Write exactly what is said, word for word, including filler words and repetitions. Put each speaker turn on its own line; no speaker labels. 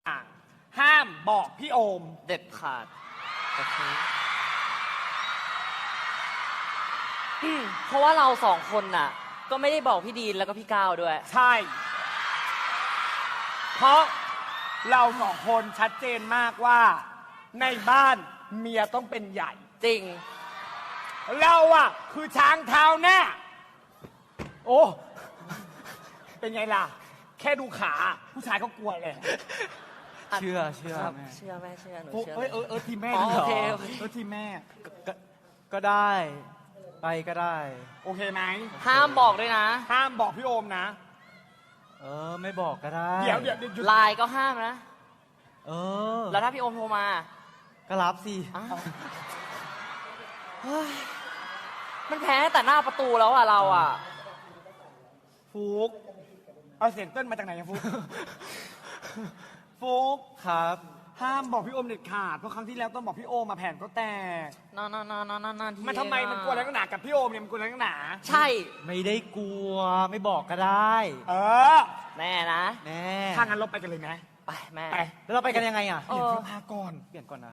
ห้ามบอกพี่โอม
เด็ดขาดโอเคเพราะว่าเราสองคนน่ะ ก็ไม่ได้บอกพี่ดีนแล้วก็พี่ก้าวด้วย
ใช่ เพราะเราสองคนชัดเจนมากว่าในบ้านเมียต้องเป็นใหญ่
จริง
เราอะคือช้างเท้าหน้า โอ้ เป็นไงล่ะ แค่ดูขาผู้ชายก็กลัวเลย
เชื่อเชื่อ
ครับ
แม่
เชื่อแม่เชื่อหนู
โอ้
เชื่อ
เอ้ยเออเออทีมแม่
อ๋อ
ดีหร
โอเคโอเค
เออทีมแม่
ก็ก็ได้ ไปก็ได้
โอเคไหม
ห้ามบอกด้วยนะ
ห้ามบอกพี่โอมนะ
เออ ไม่บอกก็ได้
เดี๋ยวเดี๋ยวเดี๋ยวหยุด
ไลน์ก็ห้ามนะ
เออ
แล้วถ้าพี่โอมโทรมา
ก็รับสิ
อ้าวเฮ้ยมันแพ้แต่หน้าประตูแล้วอ่ะเราอ่ะ
ฟุกเอาเสียงเต้นมาจากไหนอะฟุก ฟุก
ครับ
ห้ามบอกพี่โอมเด็ดขาดเพราะครั้งที่แล้วต้องบอกพี่โอมมาแผ่นก็แตก
นานนานนานนานที
มันทำไมมันกลัวอะไรนักหนากับพี่โอมเนี่ยมันกลัวอะไรนักหนา
ใช่
ไม่ได้กลัว ไม่บอกก็ได้
เออ
แน่นะ
แน่
ถ้างั้นเราไปกันเลยไหม
ไปแม่
ไป
แล้วเราไปกันยังไงอ่ะ
เอ
เปลี่ยน
อ
เสื้อผ้าก่อน
เปลี่ยนก่อนนะ